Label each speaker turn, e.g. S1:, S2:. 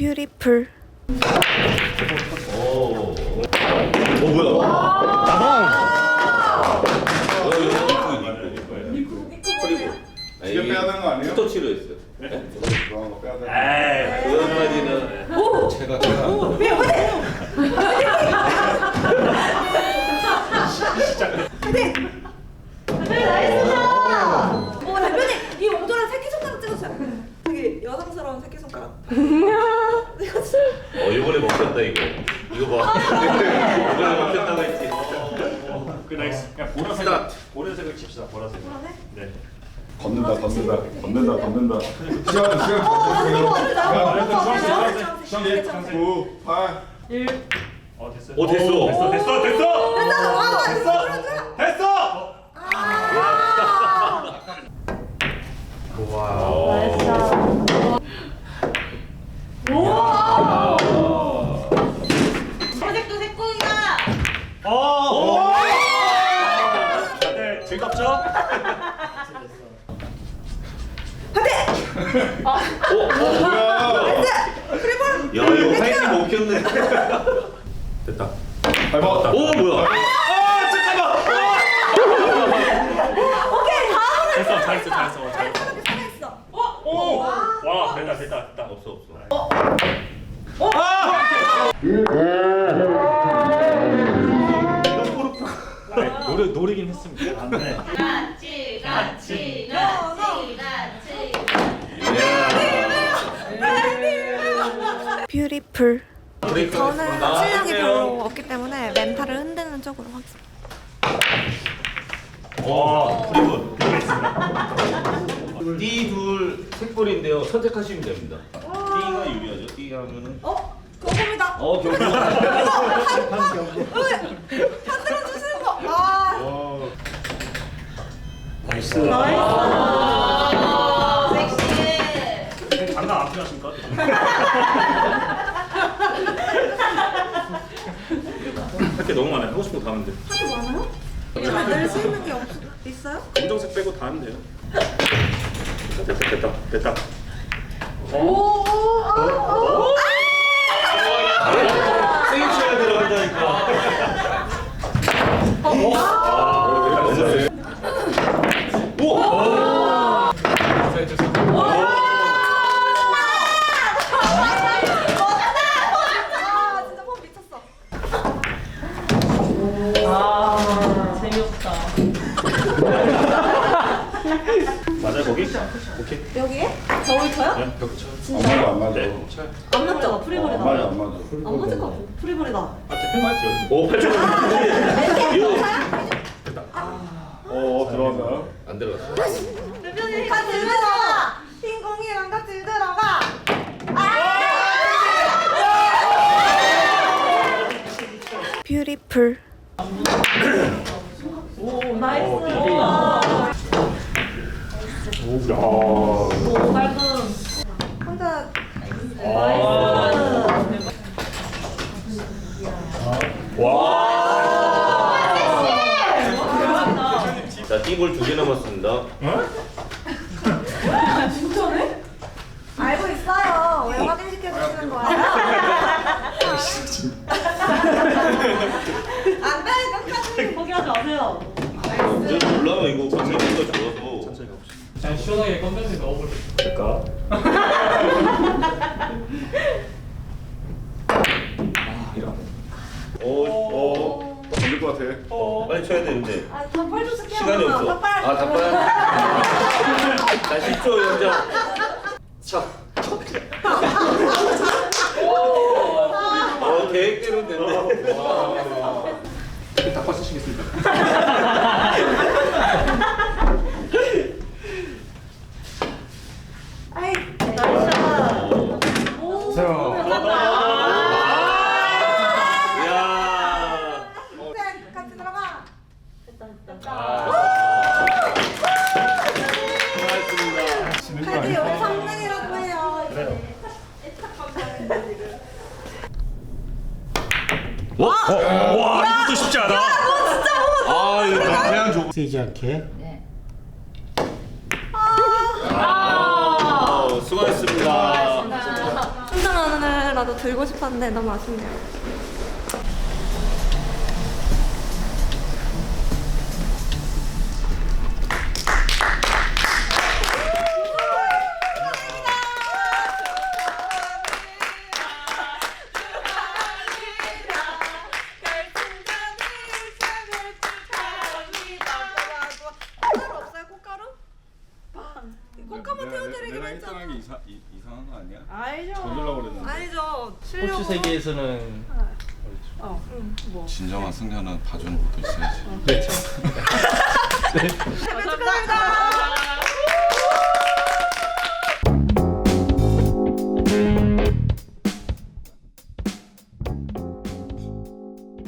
S1: 뷰티풀.
S2: 뭐야?
S3: 나방.
S2: 이거 빼야 되는 거 아니에요?
S4: 터치로 했어요.
S2: 네? 그런 거 빼야 되는 거.
S4: 그것까지는
S2: 제가
S1: 대표님 이 옹졸한 새끼손가락 찍으세요. 되게 여성스러운 새끼손가락.
S4: 이번에 먹혔다 이거. 이거 봐. 이번에 먹혔다고 했지.
S3: 그 나이스. 그냥 보라색.
S4: 스타트.
S3: 보라색을 칩시다. 보라색. 네.
S2: 걷는다. 시간
S3: 주황색.
S2: 9, 8.
S3: 1. 됐어요.
S4: 오, 됐어.
S3: 됐어.
S1: 새색도 새꼬이다.
S3: 다들 즐겁죠?
S4: 야 이거 사이즈 먹혔네. 됐다.
S2: 밟았다.
S4: 오 뭐야?
S1: 오케이 다음으로
S3: 됐어. 잘했어.
S1: 살아있어.
S3: 와, 됐다.
S4: 없어.
S3: 노리긴 했습니다. 네.
S1: 같이. 뷰티풀. 저는 실력이 별로 없기 때문에 멘탈을 흔드는 쪽으로 하겠습니다.
S3: 와, 프리분 드리겠습니다.
S4: D둘 색볼인데요. 선택하시면 됩니다. D가 유리하죠. D 하면은
S1: 그겁니다.
S4: 경고.
S1: 흔들어 주시는 거.
S3: 나이스. 장난 안 필요하십니까? 할 게 너무 많아요. 하고 싶은 거 다 하면 돼.
S1: 하도 많아요? 만들 수 있는 게 있어요?
S3: 검정색 빼고 다 하면 돼요. 됐다.
S4: 세게 쳐야 들어간다니까.
S1: 진짜 폼 미쳤어.
S5: 재미없다.
S3: 맞아요, 거기? 오케이.
S1: 여기에? 겨울 쳐요?
S3: 네, 벽 쳐.
S2: 안 맞아.
S3: 네, 쳐요.
S1: 안 맞죠? 프리볼이다.
S2: 안 맞아.
S1: 안 맞을 것 같아. 프리볼이다.
S3: 아, 대표 말이죠.
S4: 오 8점. 이거
S2: 들어간다.
S4: 안 들어갔어.
S1: 대표님 같이 들어가. 흰 공이랑 같이 들어가. 뷰티풀.
S5: 오, 나이스.
S3: 오,
S5: 깔끔.
S1: 혼자
S4: 자, D볼 2개 남았습니다.
S1: 알고 있어요. 왜 확인시켜 주시는 거예요? 안 돼, 끝까지.
S5: 포기하지 마세요.
S4: 이제 몰라 이거 관계가 좋아서.
S6: 그냥 시원하게 건전지 넣어버려.
S3: 될까?
S2: 걸릴 것 같아.
S4: 빨리 쳐야 되는데.
S1: 아, 닭발 좀 쓸게요.
S4: 시간이 없어.
S1: 닭발.
S4: 아, 답답해. 자, 10초 연장. 자. 계획대로 됐네.
S2: 닭발 쓰시겠습니까?
S1: 아이,
S4: 이야.
S1: 같이 들어가.
S4: 수고하셨습니다.
S1: 카드 여기 성능이라고 해요.
S3: 그래요. 와, 이것도 쉽지 않아.
S4: 아, 이거
S2: 그냥 줘.
S6: 쓰이지 않게.
S4: 수고하셨습니다.
S1: 순서 나누는 이거를 나도 들고 싶었는데 너무 아쉽네요. 꽃가루 태워드리기로 했잖아.
S2: 게 이상한 거 아니야?
S1: 알죠.
S2: 던질라고 그랬는데.
S1: 아니죠.
S6: 스포츠 세계에서는
S2: 진정한 승자는 봐주는 것도 있어야지.
S6: 그렇죠.
S1: 축하드립니다.